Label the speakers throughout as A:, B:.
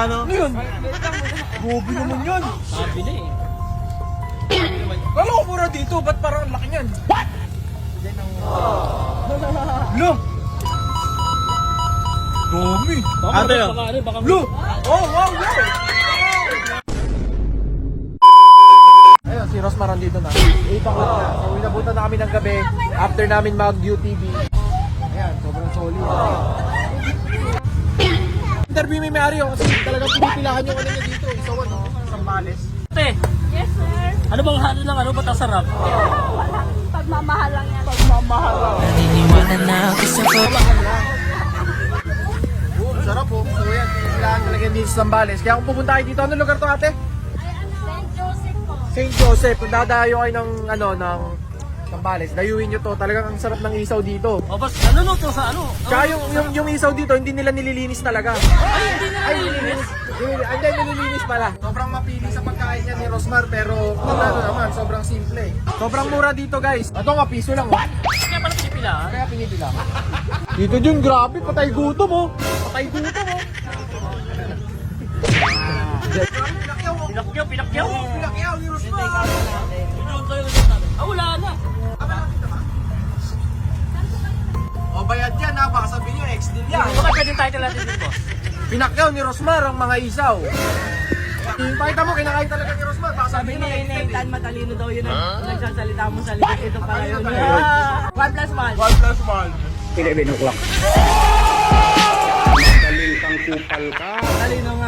A: Magkano?
B: Ano yun? Gobi naman yan.
C: Sabi na eh.
B: Kala ko mura dito, ba't parang ang laki niyan? What? Lo! Dami!
A: Ate, oh.
C: Baka
B: Lo! Oh, wow, wow! Ayun, si Rosmar andito na. 8 o'clock na. So, inabutan na kami ng gabi after namin mag-UTV. Ayan, sobrang solid. Interview may may-ari yun kasi talagang pinipilahan yung ano niya dito. Isawan, no? Sambales.
C: Ate,
D: Yes, sir.
C: ano bang halo ng ano? Ba't ang sarap?
D: Wala. Pagmamahal lang yan. Pagmamahal lang.
B: Mahal lang. Sarap po. So yan, pinipilahan talaga dito sa Sambales. Kaya kung pupunta kayo dito, anong lugar to ate?
D: St. Joseph po.
B: St. Joseph. Kung dadayo kayo ng, ng Sambales, dayuin nyo to. Talagang ang sarap ng isaw dito.
C: O, boss, ano no to sa ano?
B: Tsaka yung isaw dito, hindi nila nililinis talaga. Ay, nililinis. Hindi, nililinis pala. Sobrang mapili sa pagkain niya ni Rosmar, pero ano naman, sobrang simple. Sobrang mura dito, guys. Ito nga, piso lang. Oh.
C: Kaya pala pinipila, ha?
B: Kaya pinipila. Dito dyan, grabe, patay gutom, oh. Patay gutom, oh.
C: Pinakyaw, pinakyaw.
B: Pinakyaw ni Rosmar.
C: Ah, wala na.
B: O, bayad yan, ha. Baka sabihin nyo, ex-deal yan.
C: Baka pwedeng title natin din, boss.
B: Pinakyaw ni Rosmar ang mga isaw. Pakita mo, kinakain talaga ni Rosmar. Baka sabihin nyo, ex-deal.
E: Nathan, matalino daw yun ang nagsasalita mo sa likod. Ito pala yun.
B: Matalino tayo.
E: 1 plus 1.
B: 1 plus 1.
A: 11 o'clock. Daling kang kupal ka.
E: Talino nga.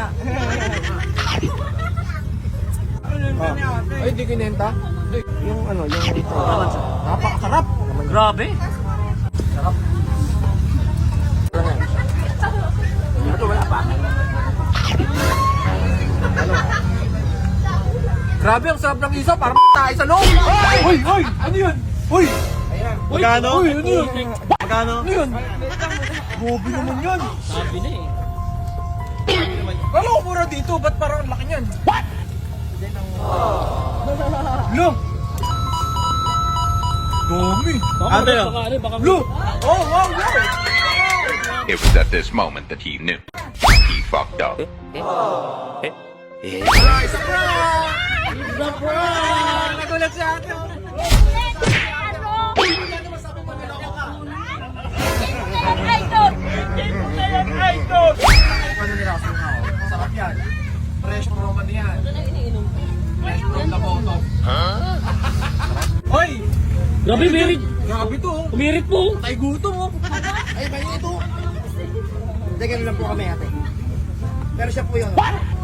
B: Ay, di kinenta. Yung yung ito. Napakasarap.
C: Grabe.
B: Sarap. Ito wala pa. Grabe, ang sarap ng isaw. Parang tayo sa loob. Hoy! Hoy! Ano yun? Hoy! Ayan.
A: Magkano?
B: Hoy! Ano yun?
A: Magkano?
B: Ano yun? Gobi naman yan.
C: Sabi na eh.
B: Kala ko mura dito, ba't parang ang laki niyan? What? Lo! Dami!
A: Ate, oh.
C: Baka
B: Lo! Oh, wow, wow!
F: It was at this moment that he knew. He fucked up.
B: Isa prank! Isa prank! Nagulat si ate. Ano nila kasi nga, oh. Sarap yan. Fresh from Roman yan. Fresh from the bottom. Hoy!
C: Grabe, merit.
B: Grabe to, oh.
C: Umirit po.
B: Tay gutom, oh. Ay, bayo ito.
E: Hindi, ganun lang po kami ate. Pero siya po yun.